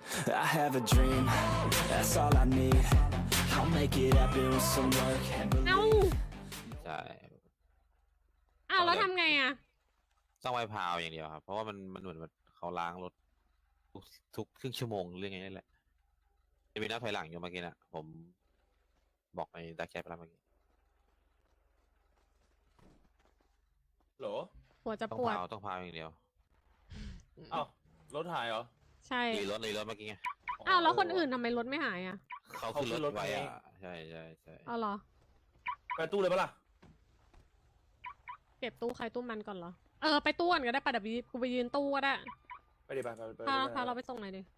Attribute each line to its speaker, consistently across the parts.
Speaker 1: I have a dream, that's all I need. I'll make it happen with some work and
Speaker 2: เอ้า
Speaker 1: believe.
Speaker 3: ใช่
Speaker 2: อ้าวแล้วทำไงอ่ะ
Speaker 3: ต้องไว้พาวอย่างเดียวครับเพราะว่ามันเหมือนแบบเขาล้างรถทุกครึ่งชั่วโมงเรื่องไงนี่แหละจะมีนับถอยหลังอยู่เมื่อกี้นะผมบอกในดักแชทไปแล้วเมื่อกี้
Speaker 4: โหล
Speaker 2: หัวจะ
Speaker 3: ต้อง
Speaker 2: ปวด
Speaker 3: พาวอย่างเดียว
Speaker 4: เอ้า รถหายเหรอ
Speaker 2: ใช่
Speaker 3: รีรถเมื่อกี้ไง
Speaker 2: อ้าวแล้วคนอื่นทำไมรถไม่หายอ่ะ
Speaker 3: เขาขึ้นรถไว้อ่ะใช่ใช่ใช่
Speaker 2: เอาเหรอ
Speaker 4: ไปตู้เลยปะล่ะ
Speaker 2: เก็บตู้ใครตู้มันก่อนเหรอ เออไปตู้ก่อนก็ได้ปะเดี๋ยวกูไปยืนตู้ก็ได้
Speaker 4: ไปดิไป
Speaker 2: พาเราไปส่งหน่อยดิ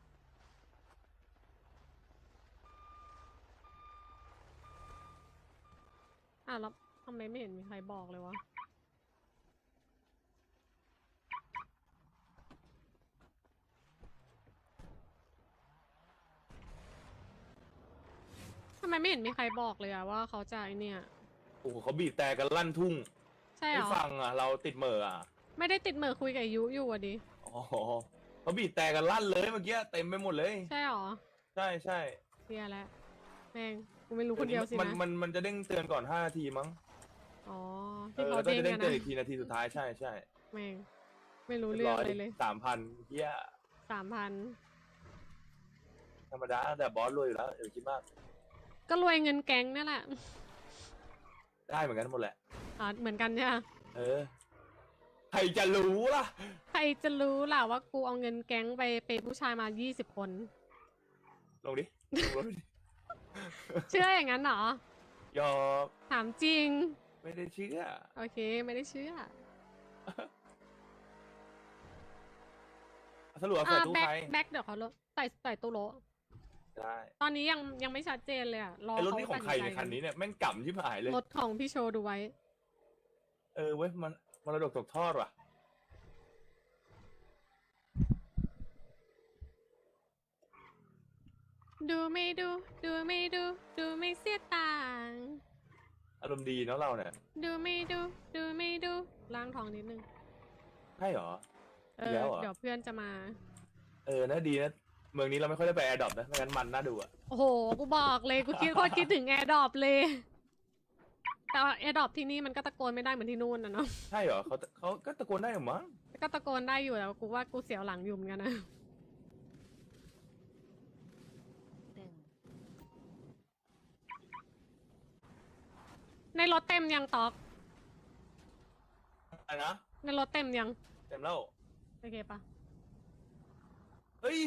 Speaker 2: อ้าวแล้วทำไมไม่เห็นมีใครบอกเลยวะ ทำไมไม่เห็นมีใครบอกเลยอะว่าเขาจะไอเนี่ย
Speaker 4: โอ้โหเขาบีบแต่กันลั่นทุ่ง
Speaker 2: ใช่เหร
Speaker 4: ไม่
Speaker 2: อ
Speaker 4: ฟังอ่ะ เราติดเหม่ออ่ะ
Speaker 2: ไม่ได้ติดเหมือคุยกับยุอยู่อะดิ
Speaker 4: อ๋อเขาบีบแต่กันลั่นเลยเมื่อกี้เต็มไปหมดเลย
Speaker 2: ใช่เหรอ
Speaker 4: ใช่ใช่
Speaker 2: เสียแล้วแม่งกูไม่รู้คนเดียวสิ
Speaker 4: มัน
Speaker 2: นะ
Speaker 4: มันจะเด้งเตือนก่อน5 นาทีมั้ง
Speaker 2: อ๋อ
Speaker 4: เอ
Speaker 2: ที่
Speaker 4: อ
Speaker 2: เขา
Speaker 4: แล้วก็
Speaker 2: เด้ง
Speaker 4: จะเด้ง
Speaker 2: กัน
Speaker 4: เตือน
Speaker 2: นะ
Speaker 4: อีกทีนาทีสุดท้ายใช่ใช่
Speaker 2: แม่งไม่รู้เรื่องอะไรเลย
Speaker 4: 3,000เฮีย
Speaker 2: 3,000
Speaker 4: ธรรมดาแต่บอสรวยอยู่แล้วอย่าไปคิดมาก
Speaker 2: ก็รวยเงินแก๊งนั่นแหละ
Speaker 4: ได้เหมือนกันหมดแหละ
Speaker 2: อ๋อเหมือนกันใช่ไหม
Speaker 4: เออ ใครจะรู้ล่ะ
Speaker 2: ใครจะรู้ล่ะว่ากูเอาเงินแก๊งไปเปย์ผู้ชายมา20 คน
Speaker 4: ลงดิลงรถดิ
Speaker 2: เชื่ออย่างนั้นเหรอ
Speaker 4: ยอม
Speaker 2: ถามจริง
Speaker 4: ไม่ได้เชื่อ
Speaker 2: โอเคไม่ได้เชื่อ
Speaker 4: สรุปว่าใส่ตู้
Speaker 2: แบ็ค
Speaker 4: ใคร
Speaker 2: แบ็คเดี๋ยวเขาใส่ตู้โล
Speaker 4: ได้
Speaker 2: ตอนนี้ยังไม่ชัดเจนเลยอะรอ
Speaker 4: ไอ้รถ
Speaker 2: เขา
Speaker 4: นี่ของใครในยคันนี้เนี่ยแม่งกำชิบหายเลย
Speaker 2: รถของพี่โชว์ดูไว้
Speaker 4: เออเว้ยมันมรดกตกทอดว่ะ
Speaker 2: ดูไม่ดู ดูไม่ดู ดูไม่เสียต่างค์
Speaker 4: อารมณ์ดีเนาะเราเนี่ย
Speaker 2: ดูไม่ดู ดูไม่ดูล้างท้องนิดนึง
Speaker 4: ใช่เหรอ
Speaker 2: เอ
Speaker 4: อีก
Speaker 2: อ
Speaker 4: แล้วเหรอ
Speaker 2: เดี๋ยวเพื่อนจะมา
Speaker 4: เออนะดีนะเมืองนี้เราไม่ค่อยได้ไปแอร์ดรอปนะไม่งั้นมันน่าดูอะ
Speaker 2: โอ้โห กูบอกเลย กูคิดโคตรคิดถึงแอร์ดรอปเลย แต่แอร์ดรอปที่นี่มันก็ตะโกนไม่ได้เหมือนที่นู่นนะเนาะ
Speaker 4: ใช่เหรอเขาก็ตะโกนได้เหรอมั้ง
Speaker 2: ก็ตะโกนได้อยู่แต่ว่ากูว่ากูเสียวหลังอยู่เหมือนกันนะ ในรถเต็มยังตอก
Speaker 4: อะไรนะ
Speaker 2: ในรถเต็มยัง
Speaker 4: เต็มแล้ว
Speaker 2: โอเคปะ
Speaker 4: เฮ้ย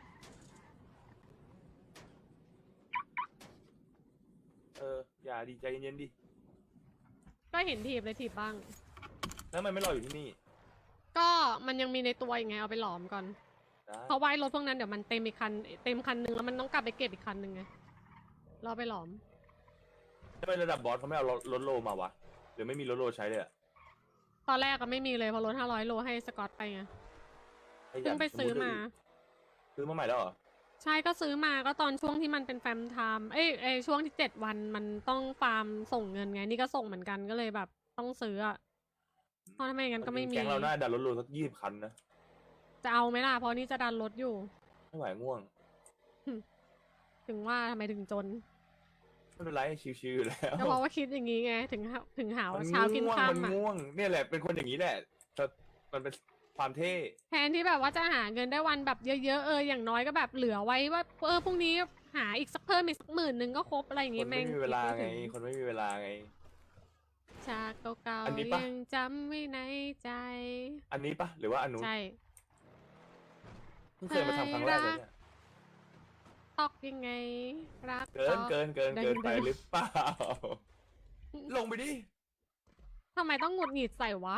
Speaker 4: เอออย่าดีใจเย็นๆดิ
Speaker 2: ก็เห็นถีบเลยถีบบ้าง
Speaker 4: แล้วมันไม่รออยู่ที่นี่
Speaker 2: ก็มันยังมีในตัวอีกไงเอาไปหลอมก่อน
Speaker 4: ได้
Speaker 2: เพราะว่ารถพวกนั้นเดี๋ยวมันเต็มอีกคันเต็มคันหนึ่งแล้วมันต้องกลับไปเก็บอีกคันหนึ่งไงเราไปหลอม
Speaker 4: ถ้าเป็นระดับบอสเขาไม่เอารถโลมาวะหรือไม่มีรถโลใช้เลยอะ
Speaker 2: ตอนแรกก็ไม่มีเลยเพอรถ500 โลให้สกอตไปไง
Speaker 4: ให้ยั
Speaker 2: เพิ่งไปซื้อมา
Speaker 4: ซื้อมาใหม่แล้วเหรอ
Speaker 2: ใช่ก็ซื้อมาก็ตอนช่วงที่มันเป็นแฟมไทม์เอ้ยช่วงที่7 วันมันต้องฟาร์มส่งเงินไงนี่ก็ส่งเหมือนกันก็เลยแบบต้องซื้ออะเพราะทำไมงั้นก็ไม่มี
Speaker 4: แก๊งเราน่าดันรถโลสัก20 คันนะ
Speaker 2: จะเอาไหมล่ะเพราะนี่จะดันรถอยู่
Speaker 4: ไม่ไหวง่วง
Speaker 2: ถึงว่าทำไมถึงจน
Speaker 4: ไม่เป็นไรชิวๆอยู่แล้ว
Speaker 2: ก็เพราะว่าคิดอย่างนี้ไงถึงหา
Speaker 4: มั
Speaker 2: ว่าเช้ากิน
Speaker 4: ง่วง
Speaker 2: ค่ำ
Speaker 4: มัน
Speaker 2: อะ
Speaker 4: ง่วงเนี่ยแหละเป็นคนอย่างนี้แหละแต่มันเป็นความเท่
Speaker 2: แทนที่แบบว่าจะหาเงินได้วันแบบเยอะๆอย่างน้อยก็แบบเหลือไว้ว่าพรุ่งนี้หาอีกสักเพิ่มอีกสัก10,000ก็ครบอะไรอย่าง
Speaker 4: ค
Speaker 2: งี้
Speaker 4: น
Speaker 2: แม่
Speaker 4: ไม่
Speaker 2: ง
Speaker 4: มีเวลา
Speaker 2: คิด
Speaker 4: ไง
Speaker 2: ม่ถึ
Speaker 4: คนไม่มีเวลาไง
Speaker 2: ฉากเก่า
Speaker 4: อันนี้
Speaker 2: ๆ
Speaker 4: ปะ
Speaker 2: ยังจำไว้ในใจ
Speaker 4: อันนี้ปะหรือว่าอันนู้น
Speaker 2: ใช่
Speaker 4: เพิ่งเคยมาทำครั้งแรกเลยเนี่ย
Speaker 2: ตอกยังไงรัก
Speaker 4: เกิน
Speaker 2: ตอก
Speaker 4: เกิน
Speaker 2: ได้
Speaker 4: ไป
Speaker 2: ได้
Speaker 4: หรือเปล่า ลงไปดิ
Speaker 2: ทำไมต้องหงุดหงิดใส่วะ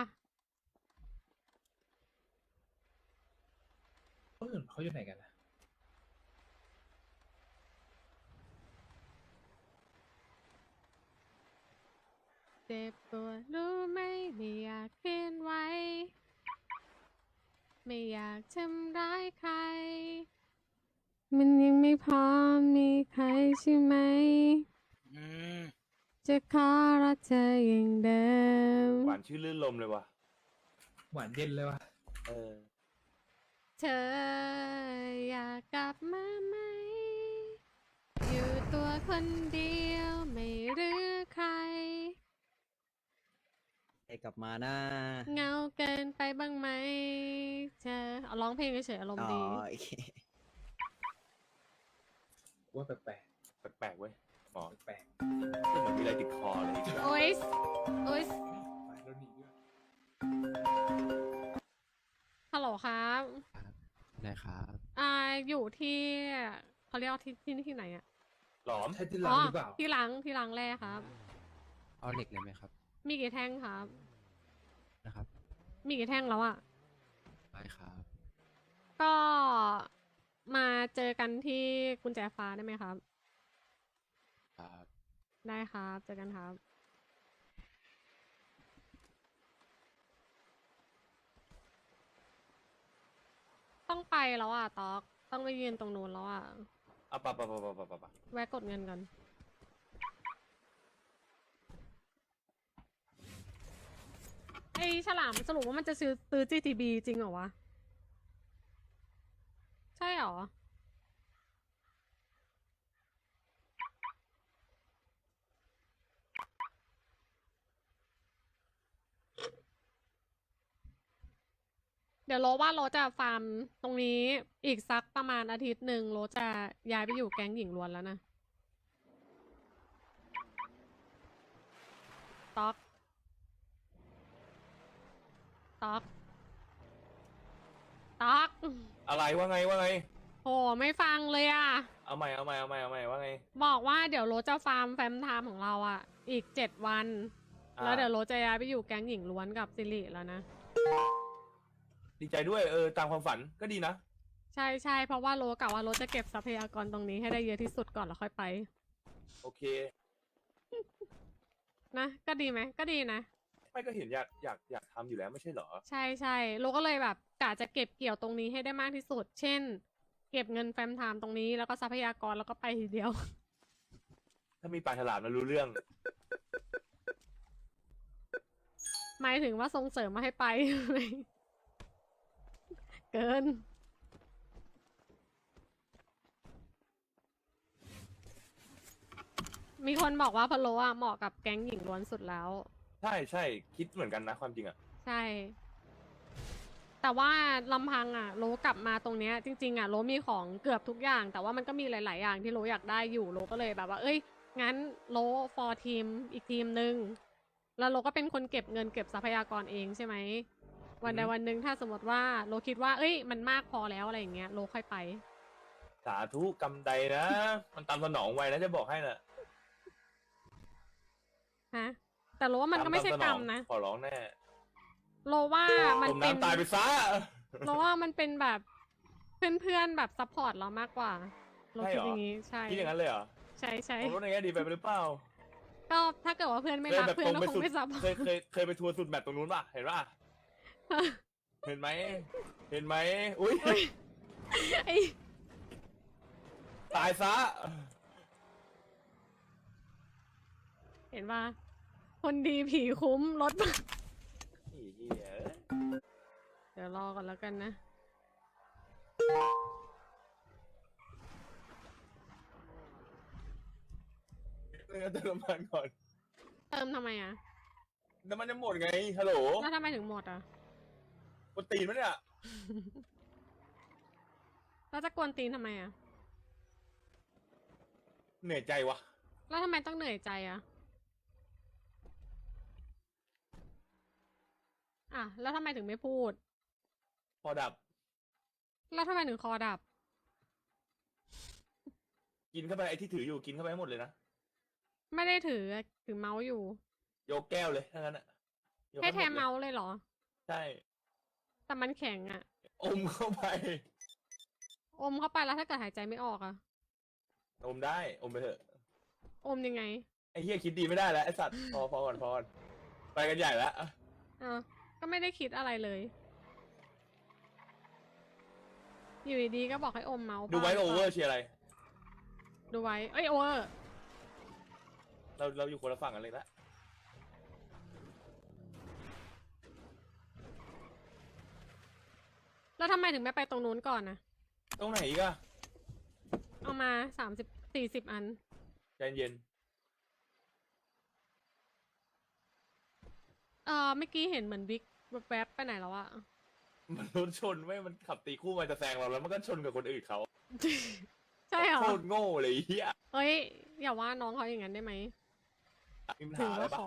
Speaker 5: คนอื่นเขาอยู่ไหนกันนะ
Speaker 2: เจ็บปวดรู้ไหมไม่อยากเคลื่อนไหวไม่อยากทำร้ายใคร มันยังไม่พร้อมมีใครใช่ไหม จะขอรักเธออย่างเดิม
Speaker 4: หวานชื่อลื่นลมเลยว่ะ
Speaker 5: หวานเย็นเลยวะ
Speaker 4: เออ
Speaker 2: เธออยากากกลับมาไหม อยู่ตัวคนเดียวไม่เหลือใคร
Speaker 5: ให้กลับมานะ
Speaker 2: เหงาเกินไปบ้างไหมเธอเอาร้องเพลงเฉยๆอารม
Speaker 5: อ๋อ
Speaker 2: ณ์ดี
Speaker 5: โอเค
Speaker 6: ว่าแปลก
Speaker 4: แปลกๆเว้ยหมอ
Speaker 6: แปลก
Speaker 4: เหมือนมีอะไรติดคออะไรอย่างเงี้ย
Speaker 2: โอ๊ยโอ๊ย
Speaker 6: ไปแล้วหนีด้วย
Speaker 2: ฮัลโหลครับ
Speaker 7: ได้ครับ
Speaker 2: อยู่ที่เขาเรียกว่าที่ไหนอะ
Speaker 4: หลอม
Speaker 6: ใช่ที่ร้านหรือเปล่า
Speaker 2: ที่ล้างแร่ครับ
Speaker 7: เอาเหล็กเลยไหมครับ
Speaker 2: มีกี่แท่งครับ
Speaker 7: นะครับ
Speaker 2: มีกี่แท่งแล้วอะ
Speaker 7: ได้ครับ
Speaker 2: ก็มาเจอกันที่กุญแจฟ้าได้ไหมครับ
Speaker 7: ครับ
Speaker 2: ได้ครับ เจอกันครับ ต้องไปแล้วอ่ะต๊อก ต้องไปยืนตรงนู้นแล้วอ่ะ
Speaker 4: อ่ะปะ
Speaker 2: แวะกดเงินก่อน ไอ้ฉลามสรุปว่ามันจะซื้อ GTB จริงเหรอวะ ใช่เหรอ เดี๋ยวโรว่าโรจะฟาร์มตรงนี้อีกสักประมาณอาทิตย์หนึ่งโรจะย้ายไปอยู่แก๊งหญิงล้วนแล้วนะต๊อกต๊อกต๊อก
Speaker 4: อะไรว่าไงว่าไง
Speaker 2: โหไม่ฟังเลยอ่ะ
Speaker 4: เอาใหม่ว่าไง
Speaker 2: บอกว่าเดี๋ยวโรจะฟาร์มแฟมไทม์ของเราอ่ะ อีก7 วัน แล้วเดี๋ยวโรจะย้ายไปอยู่แก๊งหญิงล้วนกับซิริแล้วนะ
Speaker 4: ดีใจด้วยตามความฝันก็ดีนะ
Speaker 2: ใช่ใช่เพราะว่าโรกะว่าโรจะเก็บทรัพยากรตรงนี้ให้ได้เยอะที่สุดก่อนแล้วค่อยไป
Speaker 4: โอเค
Speaker 2: นะก็ดีไหมก็ดีนะ
Speaker 4: ไม่ก็เห็นอยากทำอยู่แล้วไม่ใช่เหรอ
Speaker 2: ใช่ใช่โลก็เลยแบบกะจะเก็บเกี่ยวตรงนี้ให้ได้มากที่สุด เช่น เก็บเงินแฟมไทม์ตรงนี้แล้วก็ทรัพยากรแล้วก็ไปทีเดียว
Speaker 4: ถ้ามีปลาฉลามแล้วรู้เรื่อง
Speaker 2: หมายถึงว่าส่งเสริมมาให้ไป เกิน มีคนบอกว่าพะโลอ่ะเหมาะกับแก๊งหญิงล้วนสุดแล้ว
Speaker 4: ใช่คิดเหมือนกันนะความจริงอ่ะ
Speaker 2: ใช่ แต่ว่าลำพังอ่ะโลกลับมาตรงเนี้ยจริงๆอ่ะโลมีของเกือบทุกอย่าง แต่ว่ามันก็มีหลาย ๆ อย่างที่โลอยากได้อยู่โลก็เลยแบบว่า เอ้ย งั้นโลฟอร์ทีมอีกทีมหนึ่งแล้วโลก็เป็นคนเก็บเงินเก็บทรัพยากรเองใช่ไหม วันใดวันหนึ่งถ้าสมมติว่าโลคิดว่า เอ้ย มันมากพอแล้วอะไรอย่างเงี้ยโลค่อยไป
Speaker 4: สาธุกำใดนะ มันตามสนองไวนะจะบอกให้น่ะ
Speaker 2: ฮะ แต่โลว่ามันก็ไม่ใช่กรรมนะ
Speaker 4: ขอร้องแน่
Speaker 2: โลว่ามัน
Speaker 4: จม
Speaker 2: เป็น
Speaker 4: น้ำตายไปซะ
Speaker 2: โลว่ามันเป็นแบบเพื่อนๆแบบซัพพอร์ตเรามากกว่าโลคิดอย่างนี้ใช่
Speaker 4: คิดอย่างนั้นเลยเหรอ
Speaker 2: ใช่ใช่
Speaker 4: ผมรู้ในแง่ดีไปหรือเปล่า
Speaker 2: ก็ถ้าเกิดว่าเพื่อนไม่
Speaker 4: เคย
Speaker 2: รัก
Speaker 4: แบบ
Speaker 2: เพื่อ
Speaker 4: ตร
Speaker 2: น
Speaker 4: ง
Speaker 2: ก็
Speaker 4: ไป
Speaker 2: คง
Speaker 4: สุด
Speaker 2: ไม่ซัพพอร์ต
Speaker 4: เคยไปทัวร์สุดแบบตรงนู้นป่ะเห็นป่ะเห็นไหมเห็นไหมอุ้ย
Speaker 2: ไอ้
Speaker 4: ตายซะ
Speaker 2: เห็นว่าคนดีผีคุ้มรถ
Speaker 4: ไอ้เหี้ย
Speaker 2: เดี๋ยวรอก่อนแล้วกันนะ
Speaker 4: เติมน้ำมันก่อน
Speaker 2: เติมทำไมอ่ะ
Speaker 4: น้ำมันจะหมดไงฮัลโหล
Speaker 2: แล้วทำไมถึงหมดอ่ะ
Speaker 4: กดตีนมั้ยเนี่ย
Speaker 2: แล้วจะกวนตีนทำไมอ่ะ
Speaker 4: เหนื่อยใจวะ
Speaker 2: แล้วทำไมต้องเหนื่อยใจอ่ะ อ่ะ แล้วทำไมถึงไม่พูด
Speaker 4: พอดับ
Speaker 2: แล้วทำไมถึงคอดับ
Speaker 4: กินเข้าไปไอ้ที่ถืออยู่กินเข้าไปให้หมดเลยนะ
Speaker 2: ไม่ได้ถือเมาส์อยู่
Speaker 4: โยกแก้วเลยทั้งนั้นอะยก
Speaker 2: ให้
Speaker 4: ห
Speaker 2: แท
Speaker 4: ด
Speaker 2: น
Speaker 4: ลย
Speaker 2: เมาส์เลยเหรอ
Speaker 4: ใช่
Speaker 2: แต่มันแข็งอ่ะ
Speaker 4: อมเข้าไป
Speaker 2: อมเข้าไปแล้วถ้าเกิดหายใจไม่ออกอ่ะ
Speaker 4: อมได้อมไปเถอะ
Speaker 2: อมยังไง
Speaker 4: ไอ้เหี้ยคิดดีไม่ได้แล้วไอ้สัตว์พอก่อนไปกันใหญ่แล้ว
Speaker 2: อ่ะก็ไม่ได้คิดอะไรเลย อยู่ดีๆก็บอกให้อมเมาส์
Speaker 4: ดูไว้
Speaker 2: บ้า
Speaker 4: โอเวอร์
Speaker 2: ปล่า
Speaker 4: เชียร์อะไร
Speaker 2: ดูไว้ เอ้ยโอเวอร์
Speaker 4: เราอยู่คนละฝั่งกันเลยละ
Speaker 2: แล้วทำไมถึงไม่ไปตรงนู้นก่อนนะ
Speaker 4: ตรงไหนอีกอะ
Speaker 2: เอามา30-40 อัน
Speaker 4: ใจเย็น
Speaker 2: เมื่อกี้เห็นเหมือนบิ๊กแวบๆไปไหนแล้วอะ
Speaker 4: มันรถชนไม่มันขับตีคู่มันจะแซงเราแล้วมันก็ชนกับคนอื่นเขา
Speaker 2: ใช่เหรอ
Speaker 4: โคตรโง่เลยไอ้เฮีย
Speaker 2: เฮ้ย อย่าว่าน้องเขาอย่างนั้นได้ไหม
Speaker 4: มีปัญ
Speaker 2: ถื
Speaker 4: หา
Speaker 2: อ
Speaker 4: อะไร
Speaker 2: ว่า
Speaker 4: ปะ
Speaker 2: ขอก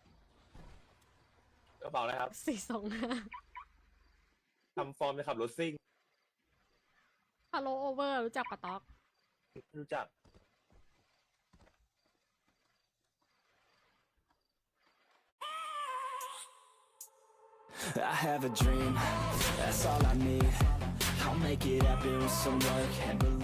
Speaker 4: ระเป๋าอะไรครับ
Speaker 2: 425
Speaker 4: ทำฟอร์มจะขับรถซิ่ง
Speaker 2: ฮัลโหลโอเวอร์รู้จักปะต๊อก
Speaker 4: รู้จัก
Speaker 1: I have a dream, that's all I need. I'll make it happen with some work and belief.